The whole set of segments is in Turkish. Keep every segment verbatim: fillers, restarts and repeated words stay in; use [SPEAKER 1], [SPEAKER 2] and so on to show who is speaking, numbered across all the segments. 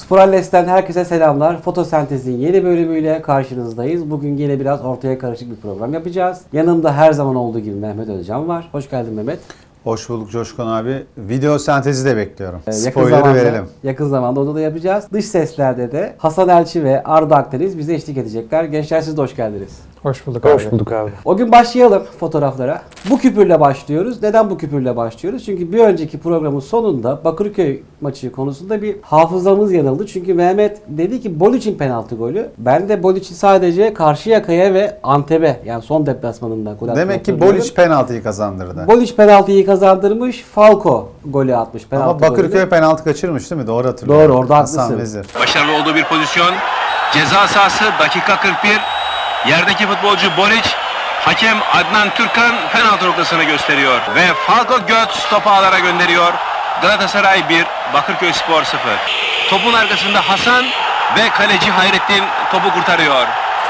[SPEAKER 1] Sporalles'ten herkese selamlar. Fotosentezin yeni bölümüyle karşınızdayız. Bugün yine biraz ortaya karışık bir program yapacağız. Yanımda her zaman olduğu gibi Mehmet Özcan var. Hoş geldin Mehmet.
[SPEAKER 2] Hoş bulduk Coşkun abi. Video sentezi de bekliyorum.
[SPEAKER 1] Ee,
[SPEAKER 2] Spoiler'ı verelim.
[SPEAKER 1] Yakın zamanda onu da yapacağız. Dış seslerde de Hasan Elçi ve Arda Akdeniz bize eşlik edecekler. Gençler siz de hoş geldiniz.
[SPEAKER 3] Hoş bulduk abi.
[SPEAKER 4] Hoş bulduk abi.
[SPEAKER 1] O gün başlayalım fotoğraflara. Bu küpürle başlıyoruz. Neden bu küpürle başlıyoruz? Çünkü bir önceki programın sonunda Bakırköy maçı konusunda bir hafızamız yanıldı. Çünkü Mehmet dedi ki Bolic'in penaltı golü. Ben de Bolic'in sadece Karşıyaka'ya ve Antep'e yani son deplasmanında gol attığını
[SPEAKER 2] Demek ki
[SPEAKER 1] hatırlıyorum.
[SPEAKER 2] Bolic penaltıyı kazandırdı.
[SPEAKER 1] Bolic penaltıyı kazandırmış. Falco golü atmış. Penaltı
[SPEAKER 2] Ama Bakırköy
[SPEAKER 1] golünü.
[SPEAKER 2] penaltı kaçırmış değil mi? Doğru hatırlıyorum.
[SPEAKER 1] Doğru, orada
[SPEAKER 2] Hasan
[SPEAKER 1] haklısın.
[SPEAKER 2] Vezir.
[SPEAKER 5] Başarılı olduğu bir pozisyon. Ceza sahası dakika kırk bir. Yerdeki futbolcu Boric, hakem Adnan Türkan penaltı noktasını gösteriyor. Ve Falco Götz topu ağlara gönderiyor. Galatasaray bir, Bakırköy Spor sıfır. Topun arkasında Hasan ve kaleci Hayrettin topu kurtarıyor.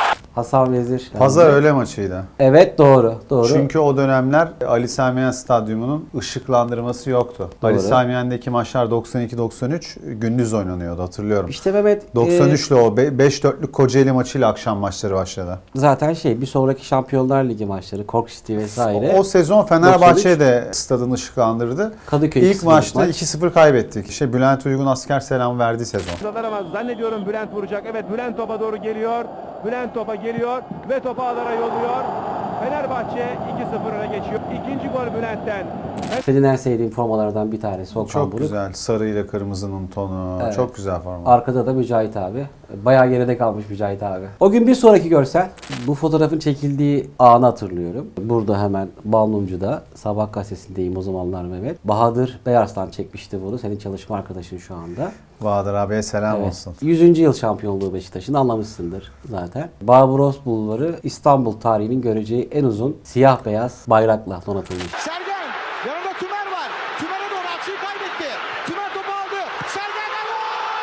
[SPEAKER 1] Hasan Vezir.
[SPEAKER 2] Pazar öğle maçıydı.
[SPEAKER 1] Evet doğru. Doğru.
[SPEAKER 2] Çünkü o dönemler Ali Sami Yen Stadyumu'nun ışıklandırması yoktu.
[SPEAKER 1] Doğru.
[SPEAKER 2] Ali Sami Yen'deki maçlar doksan iki doksan üç gündüz oynanıyordu hatırlıyorum.
[SPEAKER 1] İşte Mehmet
[SPEAKER 2] doksan
[SPEAKER 1] e,
[SPEAKER 2] üçle o beş dörtlük Kocaeli maçıyla akşam maçları başladı.
[SPEAKER 1] zaten şey bir sonraki Şampiyonlar Ligi maçları, Cork City vesaire.
[SPEAKER 2] O, o sezon Fenerbahçe de stadını ışıklandırdı.
[SPEAKER 1] Kadıköy
[SPEAKER 2] İlk maçta
[SPEAKER 1] maç.
[SPEAKER 2] iki sıfır kaybettik. İşte Bülent Uygun asker selam verdiği sezon.
[SPEAKER 6] Ama zannediyorum Bülent vuracak. Evet Bülent topa doğru geliyor. Bülent topa geliyor ve topu ağlara yolluyor. Fenerbahçe iki sıfır öne geçiyor. İkinci gol Bülent'ten.
[SPEAKER 1] Senin en sevdiğin formalardan bir tanesi Okan
[SPEAKER 2] Çok
[SPEAKER 1] Buruk.
[SPEAKER 2] güzel. Sarı ile kırmızının tonu.
[SPEAKER 1] Evet.
[SPEAKER 2] Çok güzel forma.
[SPEAKER 1] Arkada da Mücahit abi. Bayağı geride kalmış Mücahit abi. O gün bir sonraki görsel. Bu fotoğrafın çekildiği anı hatırlıyorum. Burada hemen Balmumcu'da Sabah gazetesindeyim o zamanlar Mehmet. Bahadır Beyarslan çekmişti bunu. Senin çalışma arkadaşın şu anda.
[SPEAKER 2] Bahadır abiye selam
[SPEAKER 1] Evet.
[SPEAKER 2] olsun.
[SPEAKER 1] yüzüncü yıl şampiyonluğu Beşiktaş'ın anlamışsındır zaten. Barbaros Bulvarı İstanbul tarihinin göreceği en uzun siyah beyaz bayrakla donatılmış.
[SPEAKER 7] Sergen, yanında Tümer var. Tümer'e doğru açıyı kaybetti. Tümer topu aldı. Sergen gol!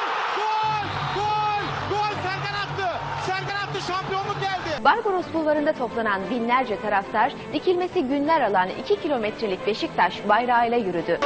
[SPEAKER 7] Gol! Gol! Gol! Sergen attı. Sergen attı. Şampiyonluk geldi.
[SPEAKER 8] Barbaros Bulvarı'nda toplanan binlerce taraftar dikilmesi günler alan iki kilometrelik Beşiktaş bayrağıyla yürüdü.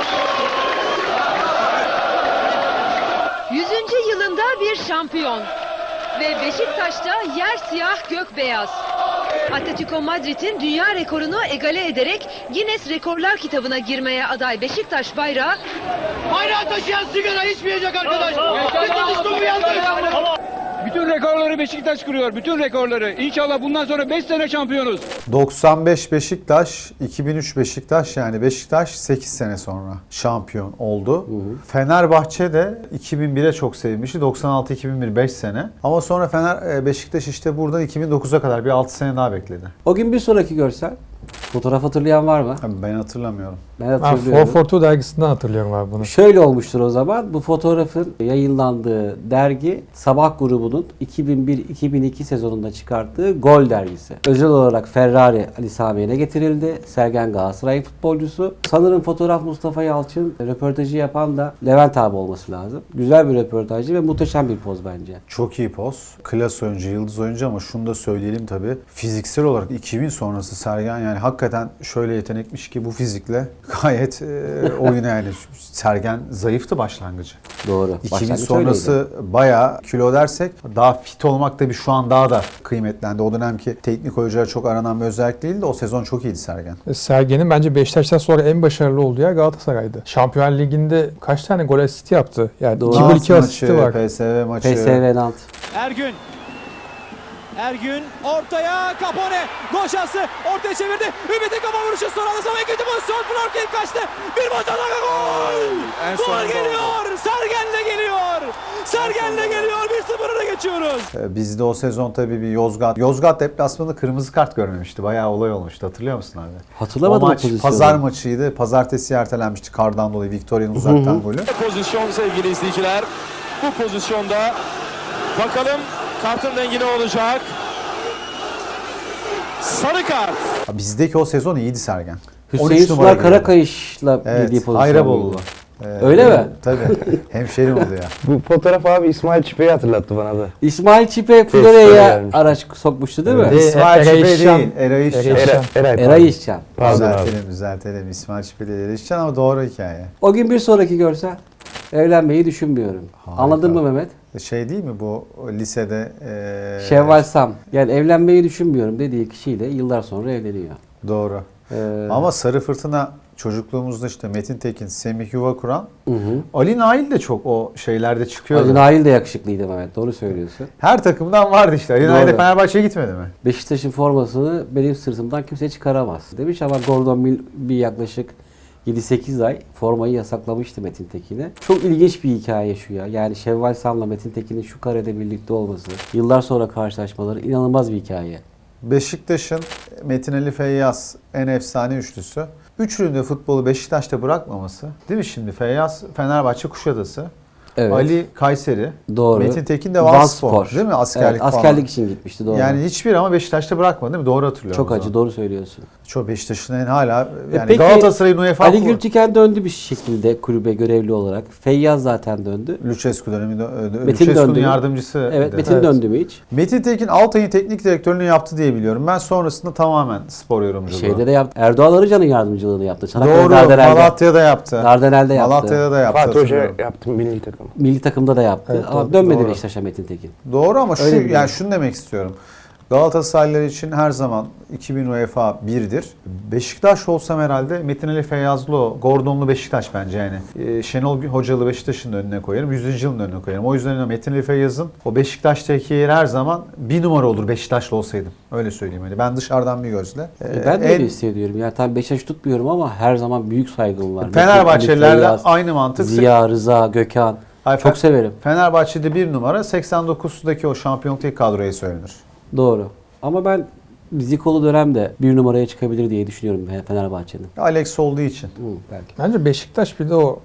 [SPEAKER 9] yüzüncü yılında bir şampiyon ve Beşiktaş'ta yer siyah gök beyaz. Atletico Madrid'in dünya rekorunu egale ederek Guinness Rekorlar kitabına girmeye aday Beşiktaş bayrağı
[SPEAKER 7] Bayrağı taşıyan sigara içmeyecek arkadaş. Beşiktaş topu yandı.
[SPEAKER 10] Bütün rekorları Beşiktaş kırıyor. Bütün rekorları. İnşallah bundan sonra beş sene şampiyonuz.
[SPEAKER 2] doksan beş Beşiktaş, iki bin üç Beşiktaş yani Beşiktaş sekiz sene sonra şampiyon oldu. Hı hı. Fenerbahçe de iki bin bire çok sevmişti. doksan altı iki bin bir beş sene. Ama sonra Fener Beşiktaş işte buradan iki bin dokuza kadar bir altı sene daha bekledi.
[SPEAKER 1] O gün bir sonraki görsel. Fotoğraf hatırlayan var mı?
[SPEAKER 2] Abi ben hatırlamıyorum.
[SPEAKER 1] Ben
[SPEAKER 3] Ben
[SPEAKER 1] hatırlıyorum.
[SPEAKER 3] Four Forty dergisinden hatırlıyorum abi bunu.
[SPEAKER 1] Şöyle olmuştur o zaman. Bu fotoğrafın yayınlandığı dergi Sabah grubunun iki bin bir iki bin iki sezonunda çıkarttığı Gol dergisi. Özel olarak Ferrari Ali Sami Yen'e getirildi. Sergen Galatasaray futbolcusu. Sanırım fotoğraf Mustafa Yalçın, röportajı yapan da Levent abi olması lazım. Güzel bir röportajcı ve muhteşem bir poz bence.
[SPEAKER 2] Çok iyi poz. Klas oyuncu, yıldız oyuncu ama şunu da söyleyelim tabii. Fiziksel olarak iki bin sonrası Sergen yani hakikaten şöyle yetenekmiş ki bu fizikle gayet e, oyuna yani Sergen zayıftı başlangıcı.
[SPEAKER 1] Doğru.
[SPEAKER 2] iki bin
[SPEAKER 1] Başlangıç
[SPEAKER 2] sonrası
[SPEAKER 1] öyleydi.
[SPEAKER 2] bayağı kilo dersek daha fit olmak da bir şu an daha da kıymetlendi. O dönemki teknik oyunculara çok aranan bir özellik değildi. O sezon çok iyiydi Sergen.
[SPEAKER 3] Sergen'in bence Beşiktaş'tan sonra en başarılı olduğu yer Galatasaray'dı. Şampiyonlar Ligi'nde kaç tane gol asisti yaptı? Yani
[SPEAKER 1] Doğru.
[SPEAKER 3] iki gol iki asisti var.
[SPEAKER 2] P S V maçı.
[SPEAKER 1] P S V Nant.
[SPEAKER 6] Ergün. Ergün ortaya Capone. Gol şansı. Ortaya çevirdi. Ümit'in kafa vuruşu sonra da sonra ikinci pozisyon. Florkin kaçtı. Bir boşa gol. Gol geliyor. Sergen'le geliyor. Sergen'le geliyor. bir sıfır öne geçiyoruz.
[SPEAKER 2] Bizde o sezon tabii bir Yozgat. Yozgat deplasmanında kırmızı kart görmemişti. Bayağı olay olmuştu. Hatırlıyor musun abi?
[SPEAKER 1] Hatırlamadım
[SPEAKER 2] o
[SPEAKER 1] o
[SPEAKER 2] maç
[SPEAKER 1] pozisyonu.
[SPEAKER 2] pazar maçıydı. Pazartesi ertelenmişti kardan dolayı. Victoria'nın uzaktan golü.
[SPEAKER 6] Pozisyon sevgili izleyiciler. Bu pozisyonda bakalım kartın rengi ne olacak? Sarı kart.
[SPEAKER 2] Bizdeki o sezon iyiydi Sergen.
[SPEAKER 1] Hüseyin Sular Karakayış'la
[SPEAKER 2] Evet,
[SPEAKER 1] girdiği pozisyon.
[SPEAKER 2] Ayrabolulu. Ee,
[SPEAKER 1] Öyle mi?
[SPEAKER 2] Tabii. Hemşerim oldu ya.
[SPEAKER 4] Bu fotoğraf abi İsmail Çipe'yi hatırlattı bana da.
[SPEAKER 1] İsmail Çipe
[SPEAKER 4] Florya'ya
[SPEAKER 1] Florya'ya
[SPEAKER 4] gelmişti.
[SPEAKER 1] araç sokmuştu değil mi?
[SPEAKER 3] Evet.
[SPEAKER 2] İsmail
[SPEAKER 3] Eray
[SPEAKER 2] Çipe
[SPEAKER 3] İşcan.
[SPEAKER 2] değil. Eray İşcan.
[SPEAKER 3] Eray İşcan.
[SPEAKER 4] Eray, Eray,
[SPEAKER 1] Eray İşcan.
[SPEAKER 4] Pardon abi.
[SPEAKER 2] Düzeltelim, düzeltelim. İsmail Çipe değil, Eray İşcan ama doğru hikaye.
[SPEAKER 1] O gün bir sonraki görsel. Evlenmeyi düşünmüyorum.
[SPEAKER 2] Harika.
[SPEAKER 1] Anladın mı Mehmet?
[SPEAKER 2] Şey değil mi bu lisede? E,
[SPEAKER 1] Şevval Sam. Yani evlenmeyi düşünmüyorum dediği kişiyle yıllar sonra evleniyor.
[SPEAKER 2] Doğru.
[SPEAKER 1] Ee,
[SPEAKER 2] Ama Sarı Fırtına çocukluğumuzda işte Metin Tekin, Semih Yuvakuran,
[SPEAKER 1] hı hı.
[SPEAKER 2] Ali Nail de çok o şeylerde çıkıyordu.
[SPEAKER 1] Ali Nail de yakışıklıydı Mehmet. Doğru söylüyorsun.
[SPEAKER 2] Her takımdan vardı işte. Ali
[SPEAKER 1] Doğru.
[SPEAKER 2] Nail de Fenerbahçe'ye gitmedi mi?
[SPEAKER 1] Beşiktaş'ın formasını benim sırtımdan kimse çıkaramaz demiş ama Gordon Mill bir yaklaşık yedi sekiz ay formayı yasaklamıştı Metin Tekin'e. Çok ilginç bir hikaye şu ya. Yani Şevval Sam'la Metin Tekin'in şu karede birlikte olması, yıllar sonra karşılaşmaları inanılmaz bir hikaye.
[SPEAKER 2] Beşiktaş'ın Metin Ali Feyyaz en efsane üçlüsü. Üçünün de futbolu Beşiktaş'ta bırakmaması. Değil mi şimdi? Feyyaz Fenerbahçe Kuşadası.
[SPEAKER 1] Evet.
[SPEAKER 2] Ali Kayseri.
[SPEAKER 1] Doğru.
[SPEAKER 2] Metin Tekin de Vanspor.
[SPEAKER 1] Vanspor.
[SPEAKER 2] Değil mi? Askerlik
[SPEAKER 1] evet,
[SPEAKER 2] falan.
[SPEAKER 1] askerlik için gitmişti doğru.
[SPEAKER 2] Yani hiçbir ama Beşiktaş'ta bırakmadı değil mi? Doğru hatırlıyorum.
[SPEAKER 1] Çok acı, doğru söylüyorsun.
[SPEAKER 2] Çok Beşiktaş'ın en hala yani
[SPEAKER 1] Peki,
[SPEAKER 2] Galatasaray'ın UEFA
[SPEAKER 1] Ali
[SPEAKER 2] Kupa-
[SPEAKER 1] Gültiken döndü bir şekilde kulübe görevli olarak. Feyyaz zaten döndü.
[SPEAKER 2] Lucescu döneminde
[SPEAKER 1] Metin
[SPEAKER 2] Lucescu'nun
[SPEAKER 1] döndü mü?
[SPEAKER 2] yardımcısı.
[SPEAKER 1] Evet,
[SPEAKER 2] de.
[SPEAKER 1] Metin
[SPEAKER 3] Evet.
[SPEAKER 1] döndü mü hiç?
[SPEAKER 2] Metin Tekin Altay'ın teknik direktörlüğünü yaptı diye biliyorum. Ben sonrasında tamamen spor yorumculuğu.
[SPEAKER 1] Şeyde de yaptı. Erdoğan Arıcan'ın yardımcılığını yaptı. Çanakkale
[SPEAKER 2] Doğru.
[SPEAKER 1] Dardanel'de.
[SPEAKER 2] Malatya'da yaptı.
[SPEAKER 1] Dardanel'de yaptı.
[SPEAKER 2] Malatya'da da yaptı.
[SPEAKER 4] Fatih Hoca
[SPEAKER 2] hatırlıyorum.
[SPEAKER 4] yaptı milli takım.
[SPEAKER 1] Milli takımda da yaptı.
[SPEAKER 3] Evet,
[SPEAKER 1] ama
[SPEAKER 3] doğru.
[SPEAKER 1] dönmedi
[SPEAKER 2] Doğru.
[SPEAKER 1] Beşiktaş'a Metin Tekin.
[SPEAKER 2] Doğru ama şu
[SPEAKER 1] Öyle biliyorum.
[SPEAKER 2] yani şunu demek istiyorum. Galatasaraylılar için her zaman iki bin UEFA birdir. Beşiktaş olsam herhalde Metin Ali Feyyazlı, o, Gordonlu Beşiktaş bence yani. Ee, Şenol Hocalı Beşiktaş'ın da önüne koyarım. yüzüncü yılın önüne koyarım. O yüzden Metin Ali Feyyaz'ın o Beşiktaş'taki yeri her zaman bir numara olur Beşiktaşlı olsaydım. Öyle söyleyeyim. Yani ben dışarıdan bir gözle.
[SPEAKER 1] E, ben de
[SPEAKER 2] en-
[SPEAKER 1] öyle hissediyorum. Yani tabii Beşiktaş tutmuyorum ama her zaman büyük saygım var.
[SPEAKER 2] Fenerbahçelilerle
[SPEAKER 1] Metin Ali Feyyaz,
[SPEAKER 2] aynı mantık.
[SPEAKER 1] Ziya, Rıza, Gökhan.
[SPEAKER 2] Ay,
[SPEAKER 1] Çok
[SPEAKER 2] Fe-
[SPEAKER 1] severim.
[SPEAKER 2] Fenerbahçe'de bir numara seksen dokuzdaki o şampiyonluk kadroya söylenir.
[SPEAKER 1] Doğru. Ama ben Zikolu dönemde bir numaraya çıkabilir diye düşünüyorum Fenerbahçe'nin.
[SPEAKER 2] Alex olduğu için.
[SPEAKER 1] Hı, belki.
[SPEAKER 3] Bence Beşiktaş bir de o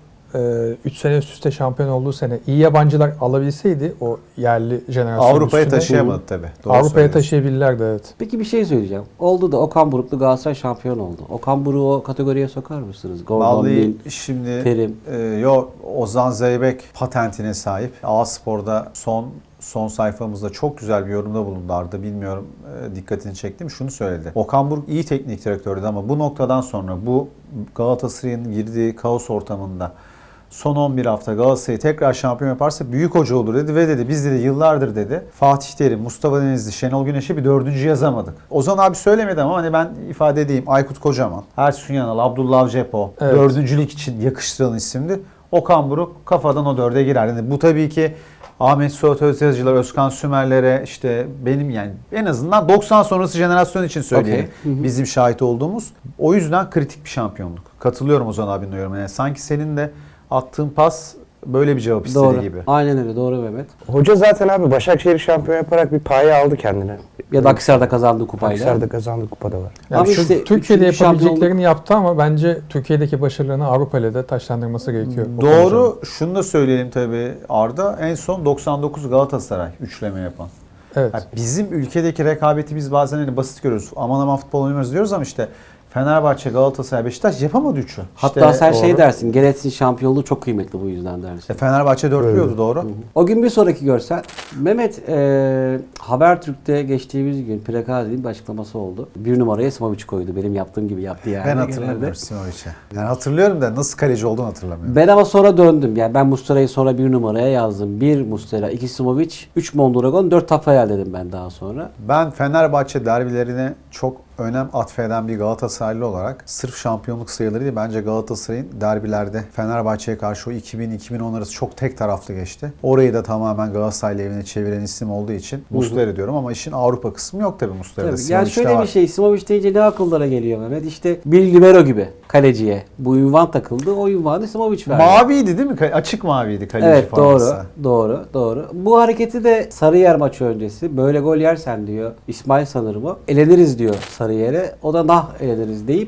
[SPEAKER 3] üç sene üst üste şampiyon olduğu sene iyi yabancılar alabilseydi o yerli jenerasyon
[SPEAKER 2] Avrupa'ya
[SPEAKER 3] üstüne,
[SPEAKER 2] taşıyamadı tabii. Doğru
[SPEAKER 3] Avrupa'ya
[SPEAKER 2] söylüyorsun.
[SPEAKER 3] taşıyabilirlerdi evet.
[SPEAKER 1] Peki bir şey söyleyeceğim. Oldu da Okan Buruklu Galatasaray şampiyon oldu. Okan Buruk'u o kategoriye sokar mısınız? Gordon Mill,
[SPEAKER 2] Vallahi şimdi
[SPEAKER 1] Terim.
[SPEAKER 2] e, yo Ozan Zeybek patentine sahip. A-Spor'da son son sayfamızda çok güzel bir yorumda bulundu Arda. Bilmiyorum e, dikkatini çektim. Şunu söyledi. Okan Buruk iyi teknik direktördü ama bu noktadan sonra bu Galatasaray'ın girdiği kaos ortamında son on bir hafta Galatasaray'ı tekrar şampiyon yaparsa büyük hoca olur dedi ve dedi biz dedi yıllardır dedi Fatih Terim, Mustafa Denizli, Şenol Güneş'e bir dördüncü yazamadık. Ozan abi söylemedi ama hani ben ifade edeyim. Aykut Kocaman, Ersun Yanal, Abdullah Avcepo
[SPEAKER 3] Evet.
[SPEAKER 2] dördüncülük için yakıştırılan isimdi. Okan Buruk kafadan o dörde girer. Yani bu tabii ki Ahmet Suat Özyazıcılar, Özkan Sümerlere işte benim yani en azından doksan sonrası jenerasyon için söyleyeyim.
[SPEAKER 1] Okay. Hı hı.
[SPEAKER 2] Bizim şahit olduğumuz. O yüzden kritik bir şampiyonluk. Katılıyorum Ozan abinin yorumuna. Yani sanki senin de attığın pas böyle bir cevap istediği
[SPEAKER 1] Doğru.
[SPEAKER 2] gibi.
[SPEAKER 1] Aynen öyle. Doğru Mehmet.
[SPEAKER 4] Hoca zaten abi Başakşehir şampiyon yaparak bir paye aldı kendine.
[SPEAKER 1] Ya da Akhisar'da kazandığı kupayla.
[SPEAKER 4] Akhisar'da kazandı kupada var.
[SPEAKER 3] Yani
[SPEAKER 1] Ama
[SPEAKER 3] şu-
[SPEAKER 1] işte
[SPEAKER 3] Türkiye'de
[SPEAKER 1] üçüncü
[SPEAKER 3] yapabileceklerini yaptı ama bence Türkiye'deki başarılarını Avrupa ile de taşlandırması gerekiyor. Okan Hoca'nın.
[SPEAKER 2] Doğru. Şunu da söyleyelim tabii Arda. En son doksan dokuz Galatasaray üçleme yapan.
[SPEAKER 3] Evet.
[SPEAKER 2] Yani bizim ülkedeki rekabeti biz bazen hani basit görüyoruz. Aman aman futbol oynuyoruz diyoruz ama işte Fenerbahçe, Galatasaray, Beşiktaş yapamadı üçü.
[SPEAKER 1] Hatta
[SPEAKER 2] İşte
[SPEAKER 1] sen
[SPEAKER 2] doğru.
[SPEAKER 1] şey dersin. Geretsin şampiyonluğu çok kıymetli bu yüzden dersin.
[SPEAKER 2] E, Fenerbahçe dörtlüyordu doğru.
[SPEAKER 1] O gün bir sonraki görsel. Mehmet e, Habertürk'te geçtiğimiz gün Prekazi'nin bir açıklaması oldu. Bir numaraya Simovic koydu. Benim yaptığım gibi yaptı yani.
[SPEAKER 2] Ben
[SPEAKER 1] genelde.
[SPEAKER 2] hatırlamıyorum Simovic'i. Yani hatırlıyorum da nasıl kaleci olduğunu hatırlamıyorum.
[SPEAKER 1] Ben ama sonra döndüm. Yani ben Muslera'yı sonra bir numaraya yazdım. Bir Muslera, iki Simovic, üç Mondragon, dört Tafarel dedim ben daha sonra.
[SPEAKER 2] Ben Fenerbahçe derbilerine çok önem atfeden bir Galatasaraylı olarak sırf şampiyonluk sayılarıyla bence Galatasaray'ın derbilerde Fenerbahçe'ye karşı o iki bin iki bin on arası çok tek taraflı geçti. Orayı da tamamen Galatasaray'la evine çeviren isim olduğu için Muslera diyorum ama işin Avrupa kısmı yok tabii Muslera'da.
[SPEAKER 1] Tabii. Yani
[SPEAKER 2] Simovic'te
[SPEAKER 1] şöyle
[SPEAKER 2] var.
[SPEAKER 1] bir şey, Simovic deyince ne akıllara geliyor Mehmet? İşte bir libero gibi kaleciye. Bu ünvan takıldı. O ünvanı Simovic verdi.
[SPEAKER 2] Maviydi değil mi? Ka- Açık maviydi kaleci
[SPEAKER 1] Evet
[SPEAKER 2] forması.
[SPEAKER 1] doğru, doğru, doğru. Bu hareketi de Sarıyer maçı öncesi böyle gol yersen diyor İsmail sanırım o. Eleniriz diyor Sarıyer'e. O da nah eleniriz deyip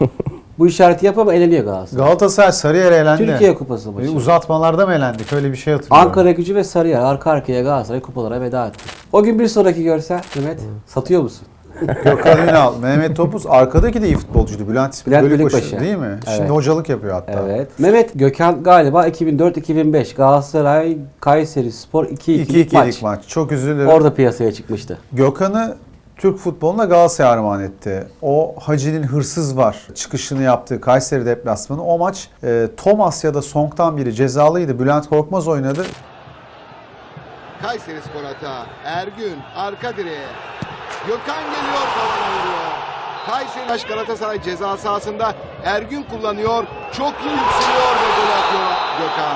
[SPEAKER 1] bu işareti yapıp ama eleniyor Galatasaray.
[SPEAKER 2] Galatasaray Sarıyer'e elendi.
[SPEAKER 1] Türkiye Kupası maçı.
[SPEAKER 2] E, Uzatmalarda mı elendik? Öyle bir şey hatırlıyorum.
[SPEAKER 1] Ankara Gücü ve Sarıyer arka arkaya Galatasaray kupalara veda etti. O gün bir sonraki görsel Mehmet satıyor musun?
[SPEAKER 2] Gökhan Ünal, Mehmet Topuz arkadaki de iyi futbolcuydu. Bülent,
[SPEAKER 1] Bülent
[SPEAKER 2] Bölükbaşı
[SPEAKER 1] Bölükbaşı.
[SPEAKER 2] değil mi?
[SPEAKER 1] Evet.
[SPEAKER 2] Şimdi hocalık yapıyor hatta.
[SPEAKER 1] Evet. Mehmet Gökhan galiba iki bin dört iki bin beş Galatasaray Kayseri Spor iki
[SPEAKER 2] iki
[SPEAKER 1] ikilik
[SPEAKER 2] ikilik
[SPEAKER 1] maç.
[SPEAKER 2] maç. Çok üzülürüm.
[SPEAKER 1] Orada piyasaya çıkmıştı.
[SPEAKER 2] Gökhan'ı Türk futboluna Galatasaray armağan etti. O Hacı'nin hırsız var çıkışını yaptığı Kayseri deplasmanı. O maç e, Thomas ya da Song'tan biri cezalıydı. Bülent Korkmaz oynadı.
[SPEAKER 7] Kayseri Spor hata. Ergün arka direğe. Gökhan geliyor, tavana vuruyor. Kayseri Galatasaray ceza sahasında Ergün kullanıyor. Çok iyi yükseliyor ve gol atıyor Gökhan.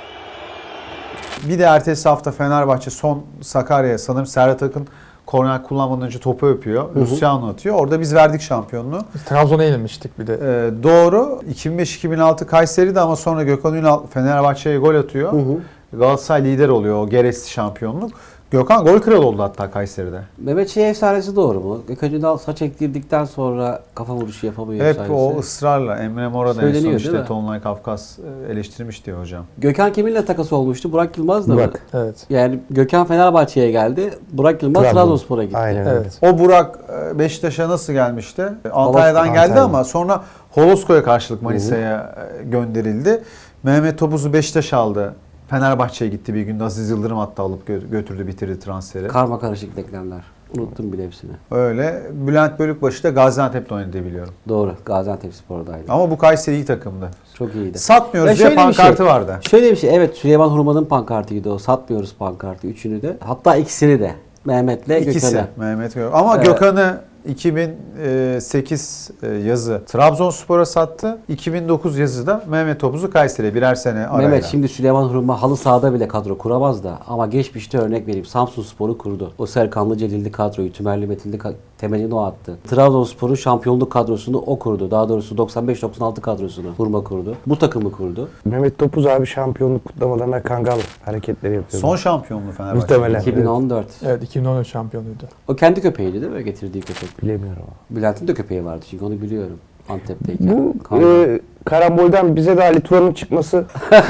[SPEAKER 2] Bir de ertesi hafta Fenerbahçe son Sakarya'ya sanırım Serhat Akın korner kullanmadan önce topu öpüyor. Luciano atıyor. Orada biz verdik şampiyonluğu.
[SPEAKER 3] Biz Trabzon'a yenilmiştik bir de.
[SPEAKER 2] Ee, doğru. iki bin beş iki bin altı Kayseri'de ama sonra Gökhan Ünal Fenerbahçe'ye gol atıyor. Hı hı. Galatasaray lider oluyor o gereksiz şampiyonluk. Gökhan gol kralı oldu hatta Kayseri'de.
[SPEAKER 1] Mehmet Şey efsanesi doğru mu? Gökhan Ünal saç ektirdikten sonra kafa vuruşu yapamıyor
[SPEAKER 2] Hep
[SPEAKER 1] efsanesi.
[SPEAKER 2] o ısrarla. Emre Mora da en son
[SPEAKER 1] Söyleniyor,
[SPEAKER 2] işte
[SPEAKER 1] değil mi?
[SPEAKER 2] Tonlay Kafkas eleştirmiş diyor hocam.
[SPEAKER 1] Gökhan kiminle takası olmuştu? Burak Yılmaz da mı?
[SPEAKER 4] Burak.
[SPEAKER 3] Evet.
[SPEAKER 1] Yani Gökhan Fenerbahçe'ye geldi. Burak Yılmaz
[SPEAKER 4] Trabzon.
[SPEAKER 1] Trabzonspor'a gitti.
[SPEAKER 4] Aynen öyle.
[SPEAKER 3] Evet.
[SPEAKER 2] O Burak Beşiktaş'a nasıl gelmişti? Antalya'dan geldi
[SPEAKER 4] Antalya.
[SPEAKER 2] ama sonra Holosko'ya karşılık Manisa'ya gönderildi. Mehmet Topuz'u Beşiktaş aldı. Fenerbahçe'ye gitti bir günde. Aziz Yıldırım hatta alıp gö- götürdü, bitirdi transferi.
[SPEAKER 1] Karma karışık denklemler. Unuttum bile hepsini.
[SPEAKER 2] Öyle. Bülent Bölükbaşı da Gaziantep'te oynadı diye biliyorum.
[SPEAKER 1] Doğru. Gaziantepspor'daydı.
[SPEAKER 2] Ama bu Kayseri iyi takımdı.
[SPEAKER 1] Çok iyiydi.
[SPEAKER 2] Satmıyoruz
[SPEAKER 1] Ya
[SPEAKER 2] diye
[SPEAKER 1] şöyle bir
[SPEAKER 2] pankartı
[SPEAKER 1] şey-
[SPEAKER 2] vardı.
[SPEAKER 1] Şöyle bir şey. Evet, Süleyman Hurman'ın pankartıydı o. Satmıyoruz pankartı. Üçünü de. Hatta ikisini de. Mehmet'le
[SPEAKER 2] İkisi.
[SPEAKER 1] Gökhan'ı.
[SPEAKER 2] Mehmet Gök. Ama
[SPEAKER 1] Ee,
[SPEAKER 2] Gökhan'ı iki bin sekiz yazı Trabzonspor'a sattı. iki bin dokuz yazı da Mehmet Topuz'u Kayseri'ye birer sene arayla.
[SPEAKER 1] Mehmet şimdi Süleyman Hurma halı sahada bile kadro kuramaz da ama geçmişte örnek vereyim Samsunspor'u kurdu. O Serkanlı Celilli kadroyu, Tümerli Metinli ka- temelini o attı. Trabzonspor'un şampiyonluk kadrosunu o kurdu. Daha doğrusu doksan beş doksan altı kadrosunu Hurma kurdu. Bu takımı kurdu.
[SPEAKER 4] Mehmet Topuz abi şampiyonluk kutlamalarına kangal hareketleri yapıyor.
[SPEAKER 2] Son şampiyonluğu Fenerbahçe.
[SPEAKER 4] Muhtemelen.
[SPEAKER 1] iki bin on dört.
[SPEAKER 3] Evet, iki bin on üç şampiyonuydu.
[SPEAKER 1] O kendi köpeğiydi değil mi? Getirdiği köpek.
[SPEAKER 4] Bilemiyorum ama.
[SPEAKER 1] Bülent'in de köpeği vardı çünkü onu biliyorum. Antep'teyken.
[SPEAKER 4] Bu
[SPEAKER 1] Kangal.
[SPEAKER 4] e, karambolden bize de Ali Turan'ın çıkması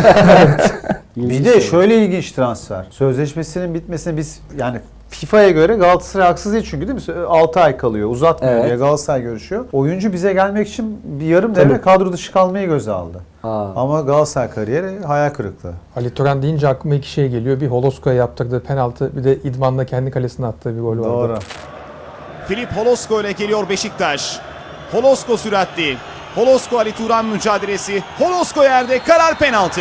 [SPEAKER 2] Bir de şöyle ilginç transfer. Sözleşmesinin bitmesine biz yani FIFA'ya göre Galatasaray haksız değil çünkü değil mi? altı ay kalıyor. Uzatmıyor
[SPEAKER 1] Evet.
[SPEAKER 2] diye Galatasaray görüşüyor. Oyuncu bize gelmek için bir yarım devre kadro dışı kalmayı göze aldı.
[SPEAKER 1] Aa.
[SPEAKER 2] Ama Galatasaray kariyeri hayal kırıklığı.
[SPEAKER 3] Ali Turan deyince aklıma iki şey geliyor. Bir Holosko'ya yaptırdığı penaltı, bir de İdman'da kendi kalesine attığı bir gol vardı.
[SPEAKER 2] Doğru.
[SPEAKER 11] Filip Holosko ile geliyor Beşiktaş. Holosko süratli. Holosko Ali Turan mücadelesi. Holosko yerde, karar penaltı.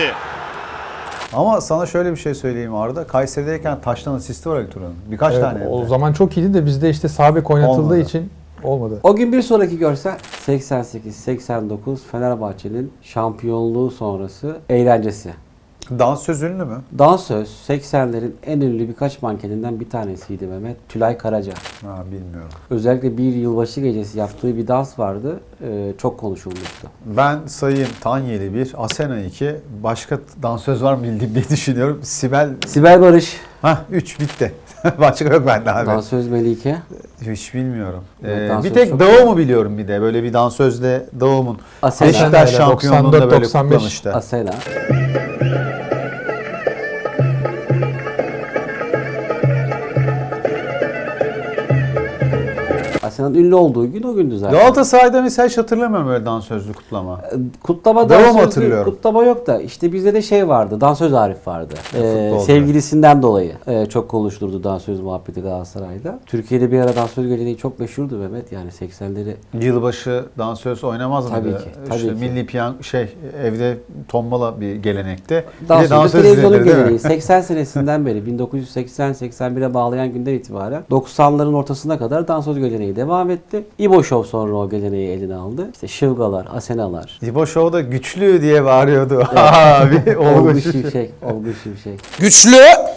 [SPEAKER 2] Ama sana şöyle bir şey söyleyeyim Arda. Kayseri'deyken taştan asisti var Ali Turan'ın. Birkaç
[SPEAKER 3] Evet,
[SPEAKER 2] tane.
[SPEAKER 3] o
[SPEAKER 2] hem de.
[SPEAKER 3] zaman çok iyiydi de bizde işte sağ bek oynatıldığı
[SPEAKER 2] Olmadı.
[SPEAKER 3] için olmadı.
[SPEAKER 1] O gün bir sonraki görsel seksen sekiz seksen dokuz Fenerbahçe'nin şampiyonluğu sonrası eğlencesi.
[SPEAKER 2] Dansöz ünlü mü?
[SPEAKER 1] Dansöz seksenlerin en ünlü birkaç mankeninden bir tanesiydi Mehmet. Tülay Karaca.
[SPEAKER 2] Ha, bilmiyorum.
[SPEAKER 1] Özellikle bir yılbaşı gecesi yaptığı bir dans vardı. Ee, çok konuşulmuştu.
[SPEAKER 2] Ben sayayım Tanyeli bir, Asena iki. Başka dansöz var mı bildiğim diye düşünüyorum. Sibel.
[SPEAKER 1] Sibel Barış.
[SPEAKER 2] Hah üç bitti. Başka yok bende abi.
[SPEAKER 1] Dansöz Melike.
[SPEAKER 2] Hiç bilmiyorum.
[SPEAKER 1] Evet,
[SPEAKER 2] Ee,
[SPEAKER 1] dansöz
[SPEAKER 2] bir tek
[SPEAKER 1] çok
[SPEAKER 2] Davum'u biliyorum bir de. Böyle bir dansözde Davum'un
[SPEAKER 1] Asena.
[SPEAKER 2] Beşiktaş
[SPEAKER 3] Asena,
[SPEAKER 2] şampiyonluğunda
[SPEAKER 3] doksan dört
[SPEAKER 2] böyle
[SPEAKER 3] doksan beş.
[SPEAKER 2] kutlamıştı.
[SPEAKER 1] Asena. Asena'nın ünlü olduğu gün o gündü zaten.
[SPEAKER 2] Galatasaray'da mesela hiç hatırlamıyorum öyle dansözlü kutlama.
[SPEAKER 1] Kutlama
[SPEAKER 2] Devam
[SPEAKER 1] dansözlü
[SPEAKER 2] hatırlıyorum.
[SPEAKER 1] kutlama yok da işte bizde de şey vardı. Dansöz Arif vardı. Ee,
[SPEAKER 2] futbolcu.
[SPEAKER 1] sevgilisinden dolayı e, çok konuşulurdu dansöz muhabbeti Galatasaray'da. Türkiye'de bir ara dansöz geleneği çok meşhurdu Mehmet. Yani seksenleri.
[SPEAKER 2] Yılbaşı dansöz oynamaz mıydı?
[SPEAKER 1] Tabii ki, tabii
[SPEAKER 2] İşte
[SPEAKER 1] ki.
[SPEAKER 2] milli piyan şey evde tombala bir gelenekti. Bir de
[SPEAKER 1] Dansöz
[SPEAKER 2] dansöz
[SPEAKER 1] televizyonun
[SPEAKER 2] izlenir, değil mi?
[SPEAKER 1] geleneği. seksen senesinden beri bin dokuz yüz seksen seksen bire bağlayan günden itibaren doksanların ortasına kadar dansöz geleneği devam etti. İbo Show sonra o geleneği eline aldı. İşte Şıvgalar, Asenalar.
[SPEAKER 2] İbo Show'da güçlü diye bağırıyordu. Abi
[SPEAKER 1] Olgu
[SPEAKER 2] Olgu
[SPEAKER 1] Şimşek, Olgu Şimşek.
[SPEAKER 7] Güçlü.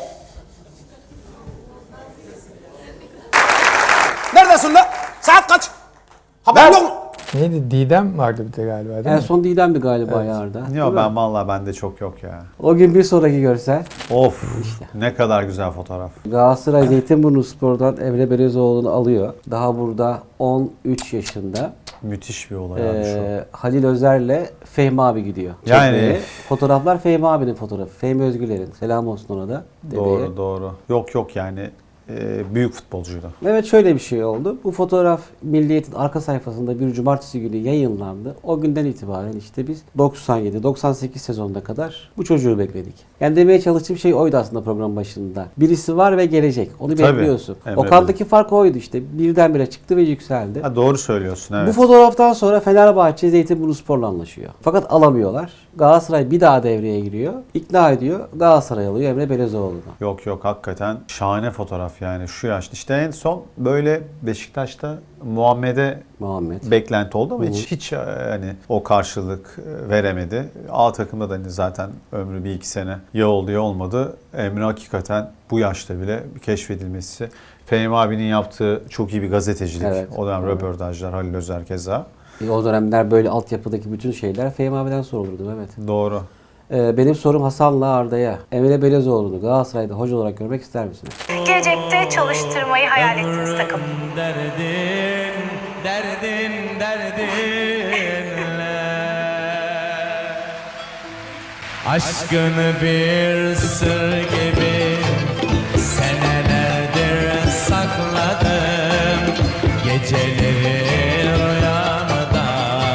[SPEAKER 7] Neredesin lan? Saat kaç? Haber yok mu?
[SPEAKER 3] Neydi? Didem vardı bir de galiba değil
[SPEAKER 1] En
[SPEAKER 3] mi?
[SPEAKER 1] son Didem'di galiba yarda.
[SPEAKER 2] Yok ben vallahi bende çok yok ya.
[SPEAKER 1] O gün bir sonraki görsel.
[SPEAKER 2] Of ne kadar güzel fotoğraf.
[SPEAKER 1] Galatasaray Zeytinburnu Spor'dan Emre Belezoğlu'nu alıyor. Daha burada on üç yaşında.
[SPEAKER 2] Müthiş bir olay abi şu.
[SPEAKER 1] Ee, Halil Özer'le Fehmi abi gidiyor.
[SPEAKER 2] Yani-
[SPEAKER 1] Çekmeye. Fotoğraflar Fehmi abinin fotoğrafı. Fehmi Özgüler'in. Selam olsun ona da. Dedeye.
[SPEAKER 2] Doğru doğru. Yok yok yani e, büyük futbolcuydu.
[SPEAKER 1] Evet şöyle bir şey oldu. Bu fotoğraf Milliyet'in arka sayfasında bir cumartesi günü yayınlandı. O günden itibaren işte biz doksan yedi doksan sekiz sezonuna kadar bu çocuğu bekledik. Yani demeye çalıştığım şey oydu aslında program başında. Birisi var ve gelecek. Onu
[SPEAKER 2] Tabii.
[SPEAKER 1] bekliyorsun.
[SPEAKER 2] Emre
[SPEAKER 1] Okan'daki fark oydu işte. Birdenbire çıktı ve yükseldi.
[SPEAKER 2] Ha, doğru söylüyorsun evet.
[SPEAKER 1] Bu fotoğraftan sonra Fenerbahçe Zeytinburnu Spor'la anlaşıyor. Fakat alamıyorlar. Galatasaray bir daha devreye giriyor. İkna ediyor. Galatasaray alıyor Emre Belezoğlu'nu.
[SPEAKER 2] Yok yok hakikaten şahane fotoğraf yani şu yaşta. İşte en son böyle Beşiktaş'ta Muhammed'e
[SPEAKER 1] Muhammed.
[SPEAKER 2] beklenti oldu ama
[SPEAKER 1] Hı hı.
[SPEAKER 2] hiç hiç hani o karşılık veremedi. A takımda da hani zaten ömrü bir iki sene ya oldu ya olmadı. Emre hakikaten bu yaşta bile keşfedilmesi. Fehmi abinin yaptığı çok iyi bir gazetecilik.
[SPEAKER 1] Evet.
[SPEAKER 2] O dönem
[SPEAKER 1] Evet.
[SPEAKER 2] röportajlar, Halil Özer keza.
[SPEAKER 1] E, o dönemler böyle altyapıdaki bütün şeyler Fehmi abiden sorulurdu Mehmet.
[SPEAKER 2] Doğru.
[SPEAKER 1] Ee, benim sorum Hasan'la Arda'ya. Emre Belezoğlu'nu Galatasaray'da hoca olarak görmek ister misiniz?
[SPEAKER 12] Gelecekte çalıştırmayı hayal ettiğiniz takım.
[SPEAKER 6] Derdin, derdin, derdinle aşkını bir sır gibi senelerdir sakladım. Geceleri rüyamda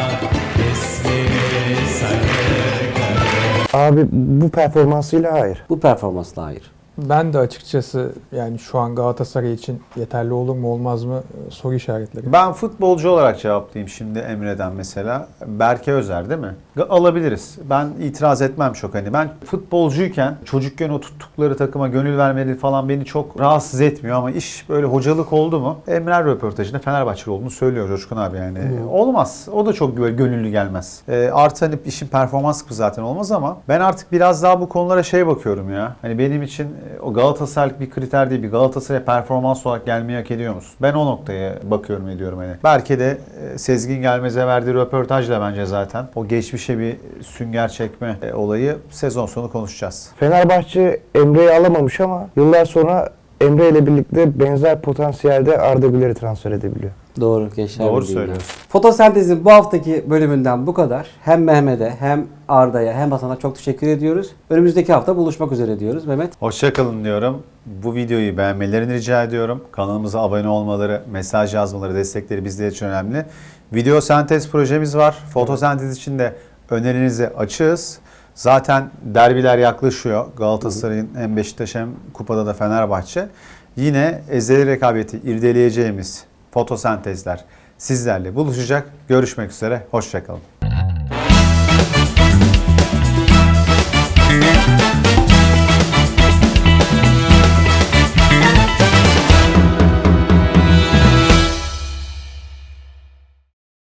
[SPEAKER 6] ismini sayıyorum.
[SPEAKER 4] Abi bu performansıyla hayır.
[SPEAKER 1] Bu performansla hayır.
[SPEAKER 3] Ben de açıkçası yani şu an Galatasaray için yeterli olur mu olmaz mı e, soru işaretleri.
[SPEAKER 2] Ben futbolcu olarak cevaplayayım şimdi Emre'den mesela. Berke Özer değil mi? Alabiliriz. Ben itiraz etmem çok hani. Ben futbolcuyken çocukken o tuttukları takıma gönül vermeleri falan beni çok rahatsız etmiyor ama iş böyle hocalık oldu mu? Emre röportajında Fenerbahçeli olduğunu söylüyor Coşkun abi yani.
[SPEAKER 3] Hı.
[SPEAKER 2] Olmaz. O da çok böyle gönüllü gelmez. E, artı hani işin performans kısmı zaten olmaz ama ben artık biraz daha bu konulara şey bakıyorum ya. Hani benim için o Galatasaraylık bir kriter değil. Bir Galatasaray'a performans olarak gelmeyi hak ediyor musun? Ben o noktaya bakıyorum ediyorum hani. Belki de e, Sezgin Gelmez'e verdiği röportajla bence zaten o geçmişe bir sünger çekme e, olayı sezon sonu konuşacağız.
[SPEAKER 4] Fenerbahçe Emre'yi alamamış ama yıllar sonra Emre ile birlikte benzer potansiyelde Arda Güler'i transfer edebiliyor.
[SPEAKER 1] Doğru Gençler
[SPEAKER 2] Doğru
[SPEAKER 1] Birliği'nden.
[SPEAKER 2] söylüyorsun.
[SPEAKER 1] Fotosentezin bu haftaki bölümünden bu kadar. Hem Mehmet'e hem Arda'ya hem Hasan'a çok teşekkür ediyoruz. Önümüzdeki hafta buluşmak üzere diyoruz Mehmet.
[SPEAKER 2] Hoşçakalın diyorum. Bu videoyu beğenmelerini rica ediyorum. Kanalımıza abone olmaları, mesaj yazmaları, destekleri bizler için önemli. Video sentez projemiz var. Fotosentez için de önerinizi açığız. Zaten derbiler yaklaşıyor. Galatasaray'ın hem Beşiktaş hem kupada da Fenerbahçe. Yine ezeli rekabeti irdeleyeceğimiz fotosentezler sizlerle buluşacak. Görüşmek üzere. Hoşçakalın.